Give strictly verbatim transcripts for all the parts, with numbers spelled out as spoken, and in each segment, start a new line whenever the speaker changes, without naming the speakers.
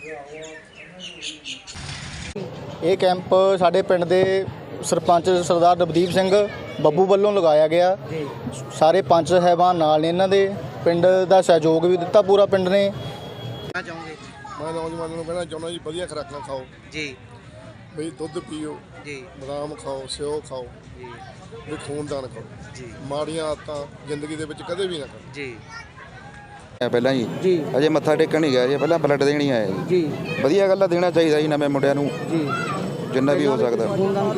ਇਹ ਕੈਂਪ ਸਾਡੇ ਪਿੰਡ ਦੇ ਸਰਪੰਚ ਸਰਦਾਰ ਨਵਦੀਪ ਸਿੰਘ ਬੱਬੂ ਵੱਲੋਂ ਲਗਾਇਆ ਗਿਆ। ਸਾਰੇ ਪੰਚ ਸਾਹਿਬਾਨ ਨਾਲ ਨੇ, ਇਹਨਾਂ ਦੇ ਪਿੰਡ ਦਾ ਸਹਿਯੋਗ ਵੀ ਦਿੱਤਾ ਪੂਰਾ ਪਿੰਡ ਨੇ।
ਚਾਹੋਗੇ
ਮੈਂ ਨੌਜਵਾਨਾਂ ਨੂੰ ਕਹਿਣਾ ਚਾਹੁੰਦਾ ਜੀ, ਵਧੀਆ ਖੁਰਾਕਾਂ ਖਾਓ
ਜੀ,
ਬਈ ਦੁੱਧ ਪੀਓ ਜੀ, ਬਦਾਮ ਖਾਓ, ਸਿਓ ਖਾਓ ਜੀ, ਵੀ ਖੂਨਦਾਨ ਕਰੋ ਜੀ। ਮਾੜੀਆਂ ਆਦਤਾਂ ਜ਼ਿੰਦਗੀ ਦੇ ਵਿੱਚ ਕਦੇ ਵੀ ਨਾ ਕਰੋ ਜੀ।
ਪਹਿਲਾਂ ਜੀ ਜੀ ਅਜੇ ਮੱਥਾ ਟੇਕਣ ਨਹੀਂ ਗਿਆ ਜੀ, ਪਹਿਲਾਂ ਬਲੱਡ ਦੇਣ ਹੀ ਆਇਆ ਜੀ ਜੀ। ਵਧੀਆ ਗੱਲ ਆ, ਦੇਣਾ ਚਾਹੀਦਾ ਜੀ ਨਵੇਂ ਮੁੰਡਿਆਂ ਨੂੰ ਜੀ, ਜਿੰਨਾ ਵੀ ਹੋ ਸਕਦਾ।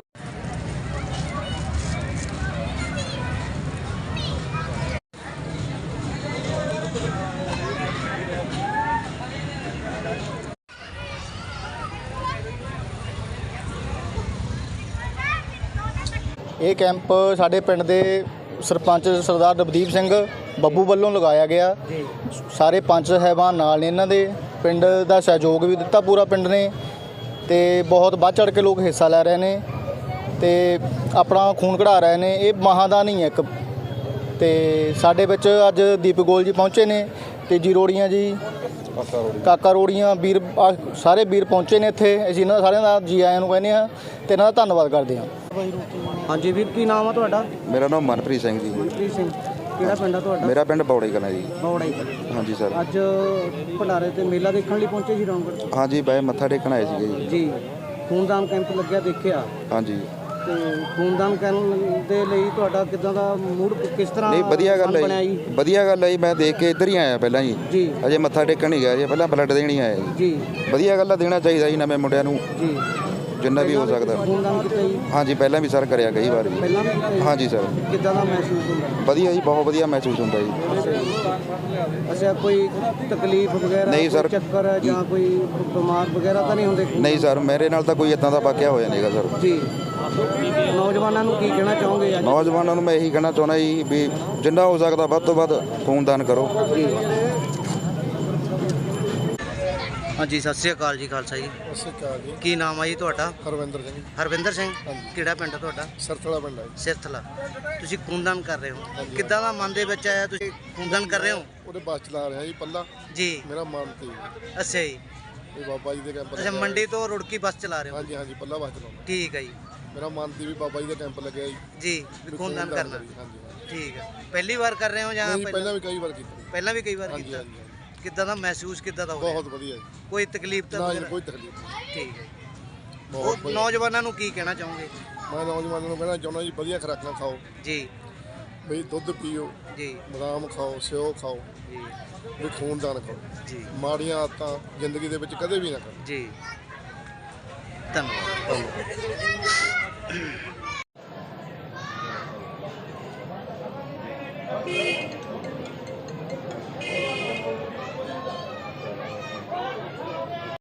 ਇਹ ਕੈਂਪ ਸਾਡੇ ਪਿੰਡ ਦੇ ਸਰਪੰਚ ਸਰਦਾਰ ਨਵਦੀਪ ਸਿੰਘ ਬੱਬੂ ਵੱਲੋਂ ਲਗਾਇਆ ਗਿਆ। ਸਾਰੇ ਪੰਚ ਸਾਹਿਬਾਨ ਨਾਲ ਨੇ, ਇਹਨਾਂ ਦੇ ਪਿੰਡ ਦਾ ਸਹਿਯੋਗ ਵੀ ਦਿੱਤਾ ਪੂਰਾ ਪਿੰਡ ਨੇ, ਤੇ ਬਹੁਤ ਵੱਧ ਚੜ੍ਹ ਕੇ ਲੋਕ ਹਿੱਸਾ ਲੈ ਰਹੇ ਨੇ ਤੇ ਆਪਣਾ ਖੂਨ ਕਢਾ ਰਹੇ ਨੇ। ਇਹ ਮਹਾਦਾਨ ਹੀ ਹੈ ਇੱਕ। ਤੇ ਸਾਡੇ ਵਿੱਚ ਅੱਜ ਦੀਪਕ ਗੋਲ ਜੀ ਪਹੁੰਚੇ ਨੇ, ਤੇਜੀ ਰੋੜੀਆਂ ਜੀ, ਕਾਕਾ ਰੋੜੀਆਂ, ਵੀਰ ਸਾਰੇ ਵੀਰ ਪਹੁੰਚੇ ਨੇ ਇੱਥੇ। ਅਸੀਂ ਇਹਨਾਂ ਸਾਰਿਆਂ ਦਾ ਜੀ ਆਇਆਂ ਨੂੰ ਕਹਿੰਦੇ ਹਾਂ ਤੇ ਇਹਨਾਂ ਦਾ ਧੰਨਵਾਦ ਕਰਦੇ ਹਾਂ।
ਹਾਂਜੀ ਵੀਰ, ਕੀ ਨਾਮ ਆ ਤੁਹਾਡਾ?
ਮੇਰਾ ਨਾਮ ਮਨਪ੍ਰੀਤ ਸਿੰਘ ਜੀ।
ਮਨਪ੍ਰੀਤ ਸਿੰਘ, ਕਿਹੜਾ ਪਿੰਡ ਆ ਤੁਹਾਡਾ?
ਮੇਰਾ ਪਿੰਡ ਬੌੜਾ ਹੀ ਕਲਾਂ ਜੀ।
ਬੌੜਾ ਹੀ ਕਲਾਂ।
ਹਾਂਜੀ ਸਰ।
ਅੱਜ ਭੰਡਾਰੇ ਤੇ ਮੇਲਾ ਦੇਖਣ ਲਈ ਪਹੁੰਚੇ ਸੀ ਰੌਣਗੜ੍ਹ?
ਹਾਂਜੀ ਬਾਈ, ਮੱਥਾ ਟੇਕਣ ਆਏ ਸੀਗੇ ਜੀ।
ਜੀ, ਖੂਨਦਾਨ ਕੈਂਪ ਲੱਗਿਆ ਦੇਖਿਆ?
ਹਾਂਜੀ।
ਤੇ ਖੂਨਦਾਨ ਕਰਨ ਦੇ ਲਈ ਤੁਹਾਡਾ ਕਿੱਦਾਂ ਦਾ ਮੂਡ, ਕਿਸ ਤਰ੍ਹਾਂ?
ਨਹੀਂ, ਵਧੀਆ ਗੱਲ ਹੈ ਜੀ, ਵਧੀਆ ਗੱਲ ਹੈ ਜੀ। ਮੈਂ ਦੇਖ ਕੇ ਇੱਧਰ ਹੀ ਆਇਆ ਪਹਿਲਾਂ ਜੀ ਜੀ। ਅਜੇ ਮੱਥਾ ਟੇਕਣ ਨਹੀਂ ਗਿਆ ਜੀ, ਪਹਿਲਾਂ ਬਲੱਡ ਦੇਣ ਹੀ ਆਇਆ ਜੀ ਜੀ। ਵਧੀਆ ਗੱਲ ਆ, ਦੇਣਾ ਚਾਹੀਦਾ ਜੀ ਨਵੇਂ ਮੁੰਡਿਆਂ ਨੂੰ ਜੀ, ਜਿੰਨਾ ਵੀ ਹੋ ਸਕਦਾ।
ਖੂਨਦਾਨ ਕੀਤਾ ਜੀ?
ਹਾਂਜੀ, ਪਹਿਲਾਂ ਵੀ ਸਰ ਕਰਿਆ ਕਈ ਵਾਰ ਜੀ।
ਪਹਿਲਾਂ ਵੀ? ਹਾਂਜੀ
ਸਰ।
ਕਿੱਦਾਂ ਦਾ ਮਹਿਸੂਸ ਹੁੰਦਾ?
ਵਧੀਆ ਜੀ, ਬਹੁਤ ਵਧੀਆ ਮਹਿਸੂਸ ਹੁੰਦਾ ਜੀ।
ਅੱਛਾ, ਕੋਈ ਤਕਲੀਫ ਵਗੈਰਾ
ਨਹੀਂ ਸਰ,
ਚੱਕਰ ਜਾਂ ਕੋਈ ਬਿਮਾਰ ਵਗੈਰਾ ਤਾਂ ਨਹੀਂ ਹੁੰਦੇ?
ਨਹੀਂ ਸਰ, ਮੇਰੇ ਨਾਲ ਤਾਂ ਕੋਈ ਇਦਾਂ ਦਾ ਵਾਕਿਆ ਹੋਇਆ ਨਹੀਂਗਾ ਸਰ
ਜੀ। ਨੌਜਵਾਨਾਂ ਨੂੰ ਕੀ ਕਹਿਣਾ ਚਾਹੋਗੇ?
ਨੌਜਵਾਨਾਂ ਨੂੰ ਮੈਂ ਇਹੀ ਕਹਿਣਾ ਚਾਹੁੰਦਾ ਜੀ ਵੀ ਜਿੰਨਾ ਹੋ ਸਕਦਾ ਵੱਧ ਤੋਂ ਵੱਧ ਖੂਨਦਾਨ ਕਰੋ ਜੀ।
ਹਾਂਜੀ, ਸਤਿ ਸ੍ਰੀ ਅਕਾਲ ਜੀ। ਖਾਲਸਾ ਜੀ।
ਸਤਿ ਸ਼੍ਰੀ ਅਕਾਲ ਜੀ।
ਕੀ ਨਾਮ ਆ ਜੀ ਤੁਹਾਡਾ?
ਹਰਵਿੰਦਰ ਸਿੰਘ।
ਹਰਵਿੰਦਰ ਸਿੰਘ, ਕਿਹੜਾ ਪਿੰਡ ਆ ਤੁਹਾਡਾ?
ਸਰਥਲਾ ਪਿੰਡ ਹੈ ਜੀ।
ਸਿਰਥਲਾ। ਤੁਸੀਂ ਖੂਨਦਾਨ ਕਰ ਰਹੇ ਹੋ, ਕਿੱਦਾਂ ਦਾ ਮਨ ਦੇ ਵਿੱਚ ਆਇਆ ਤੁਸੀਂ ਖੂਨਦਾਨ ਕਰ ਰਹੇ ਹੋ?
ਉਹਦੇ ਬੱਸ ਚਲਾ ਰਿਹਾ ਜੀ ਪੱਲਾ
ਜੀ।
ਮੇਰਾ ਮਨ ਤੇ
ਅੱਛਾ ਜੀ।
ਇਹ ਬਾਬਾ ਜੀ ਦੇ ਕੈਂਪ।
ਅੱਛਾ, ਮੰਡੀ ਤੋਂ ਰੁੜਕੀ ਬੱਸ ਚਲਾ ਰਹੇ ਹੋ?
ਹਾਂਜੀ ਹਾਂਜੀ, ਪੱਲਾ ਬੱਸ ਚਲਾਉਂਦਾ।
ਠੀਕ ਹੈ ਜੀ।
ਮੇਰਾ ਮਨ ਤੇ ਵੀ ਬਾਬਾ ਜੀ ਦਾ ਕੈਂਪ ਲੱਗਿਆ ਜੀ
ਜੀ, ਵੀ ਖੂਨਦਾਨ ਕਰਨਾ।
ਹਾਂਜੀ।
ਠੀਕ ਹੈ। ਪਹਿਲੀ ਵਾਰ ਕਰ ਰਹੇ ਹੋ ਜਾਂ
ਪਹਿਲਾਂ ਵੀ ਕਈ ਵਾਰ ਕੀਤਾ?
ਪਹਿਲਾਂ ਵੀ ਕਈ ਵਾਰ
ਹਾਂਜੀ
ਕੀਤਾ।
ਹਾਂਜੀ।
ਕਿੱਦਾਂ ਦਾ ਮਹਿਸੂਸ ਕਿੱਦਾਂ ਦਾ ਹੋਇਆ?
ਬਹੁਤ ਵਧੀਆ ਜੀ।
ਕੋਈ ਤਕਲੀਫ ਤਾਂ
ਨਾ ਜੀ, ਕੋਈ ਤਕਲੀਫ ਨਹੀਂ।
ਠੀਕ ਹੈ। ਬਹੁਤ ਨੌਜਵਾਨਾਂ ਨੂੰ ਕੀ ਕਹਿਣਾ ਚਾਹੋਗੇ?
ਮੈਂ ਨੌਜਵਾਨਾਂ ਨੂੰ ਕਹਿਣਾ ਚਾਹੁੰਦਾ ਜੀ, ਵਧੀਆ ਖੁਰਾਕਾਂ ਖਾਓ
ਜੀ,
ਬਈ ਦੁੱਧ ਪੀਓ ਜੀ, ਬਦਾਮ ਖਾਓ, ਸਿਓ ਖਾਓ ਜੀ, ਵੀ ਖੂਨਦਾਨ ਕਰੋ ਜੀ। ਮਾੜੀਆਂ ਆਦਤਾਂ ਜ਼ਿੰਦਗੀ ਦੇ ਵਿੱਚ ਕਦੇ ਵੀ ਨਾ ਕਰੋ ਜੀ।
ਧੰਨਵਾਦ।